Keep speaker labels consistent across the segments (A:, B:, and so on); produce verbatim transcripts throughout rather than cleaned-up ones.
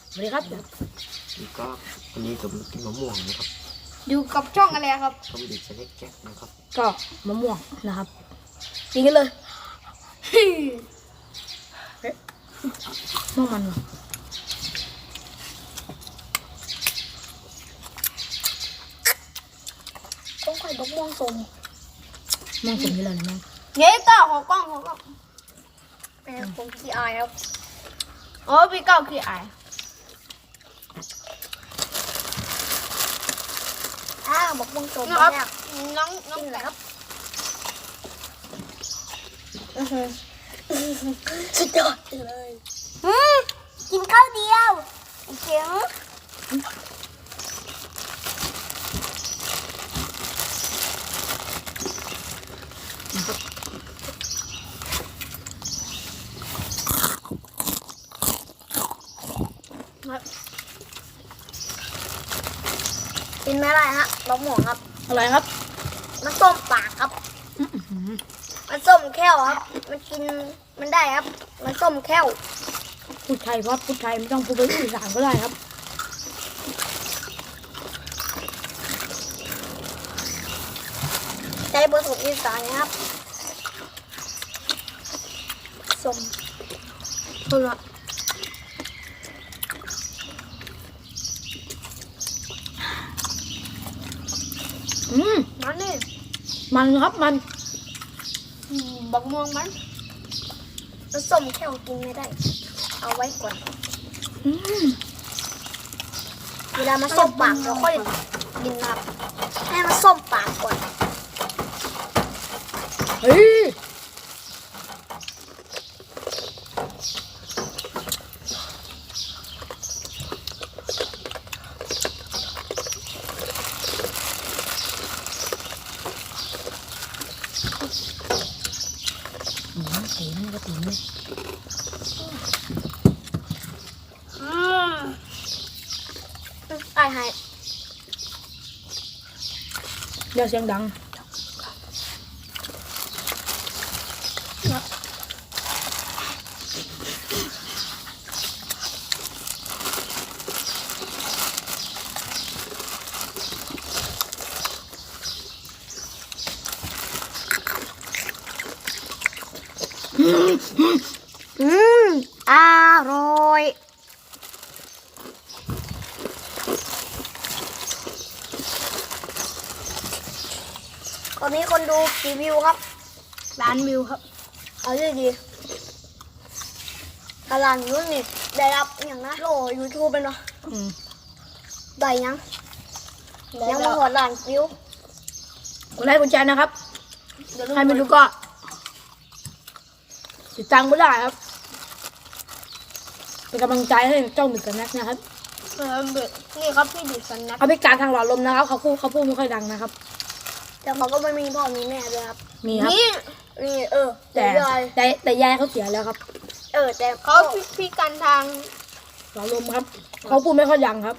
A: สวัสดีครับ
B: นี่ก็วันนี้ผมกินมะม่วงนะครับ
C: อยู่กับช่องอะไรครับ
B: ผมดิบเล็กแก๊สนะครับ
A: ก็มะม่วงนะครับกินกันเลยม่วงมัน
C: ต้องไข่ดอกม่วงสม
A: ม่วงสมนี่เลยนะแม่
C: เย้ต่อขอกล้องขอกล้องแม่ผมขี้อายครับโอ้พี่เก้าขี้อายอ้าวบอกม่วงสมนะครับน้องน้องอะไรครับสุดยอดเลยกินข้าวเดียวเจ๋งกินไม่ได้ฮะดอกหมวงครับ
A: อะไรครับ
C: มันส้มปากครับมันส้มแค่วครับมันกินมันได้ครับมันส้มแค่ว
A: พูดไทยครับพูดไทยไม่ต้องพูดภาษาอีสานก็ได้ครับ
C: ใช้ผสมอีสานนะครับส้มส้มละ
A: อืม
C: มันนี่
A: มันครับมัน
C: บักม่วงมันมันส้มแค่วกินไม่ได้เอาไว้ก่อนเวลามันส้มปากเราค่อยกินครับให้มันส้มปากก่อน
A: เฮ้ยตีนก็ตีนเลย
C: ตายหาย
A: เดี๋ยวเสียงดัง
C: อืมอร่อยตอนนี้คนดูกี่วิวครับล้านวิวครับเอาดีดีตารางยูนี่ได้รับอย่างนะโหลยูทูบเป็นเนาะได้ยังยังมาหัวล้านวิว
A: กดไลค์กดแชร์นะครับใครไม่รู้ก็ติดตามก็ได้ครับเป็นกำลังใจให้เจ้าหมึกกับนักนะครับ
C: เออนี่ครับพี่ดิสันนัก
A: เอาไปการทางหลอดลมนะครับเขาพูดเขาพูดไม่ค่อยดังนะครับ
C: แต่เขาก็ไม่มีพ่อมีแม่ด้วยครับ
A: มีครับ
C: นี่นี่เออ
A: แต่แต่แต่ยายเขาเสียแล้วครับ
C: เออแต่เขาพี่การทาง
A: หลอดลมครับเขาพูดไม่ค่อยดังครับ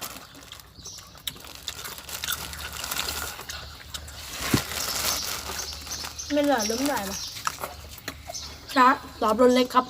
C: ไม่เหลือล้มได้ปะ
A: ช้าหลอดลมเล็กครับ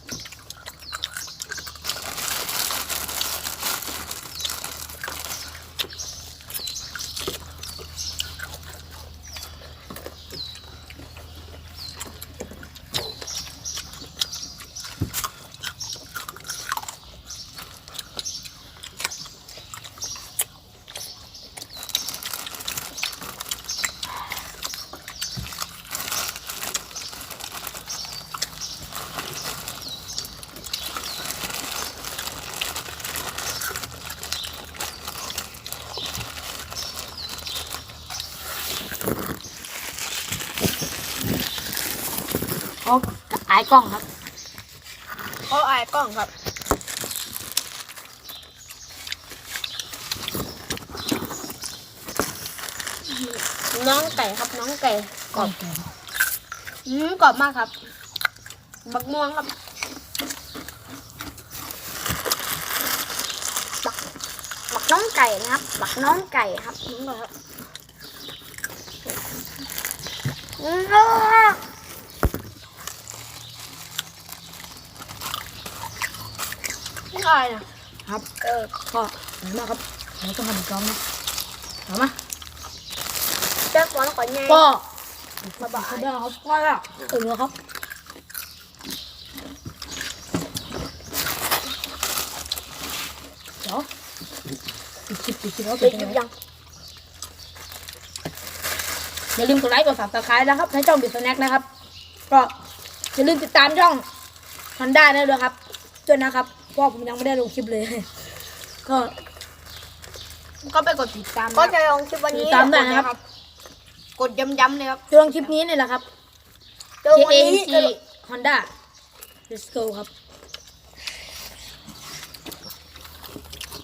A: เขาอายกล้องครับ
C: เขาอายกล้องครับน้องไก่ครับน้องไก่
A: กรอบ
C: อืมกรอบมากครับบักม่วงครับบักบักน้องไก่นะครับบักน้องไก่ครับนี่ครับอืมอะไรนะ
A: ครับ
C: เออ
A: ก็ขอบคุณมากครับเราต้องทำอีกครั้งนะเอามา
C: แจ็ควันก่อนไง
A: ก็สบายได้ครับก็ถึงแล้วครับเดี๋ยวปิดคลิปปิดคลิปแล้ว
C: ไป
A: ปิด
C: หยิบ
A: ยั
C: ยัง ง
A: อย่าลืมกดไลค์กดซับสไครต์นะครับในช่องบิสแน็คนะครับ ก็อย่าลืมติดตามช่องฮันด้าได้ด้วยครับด้วยนะครับเพราะผมยังไม่ได้ลงคลิปเลย ก็
D: ก็ไปกดติดตาม
C: ก็
D: นะ
C: จะลงคลิปวัน
A: ติ
C: นี้
A: ดตามได้นะครับ
D: กดย้ำๆเลยครับ
A: จะลงคลิปนี้เนี่ยแหละครับ
C: เจอ
A: K
C: วัน
A: A
C: นี้
A: N G Honda Let's go ครับ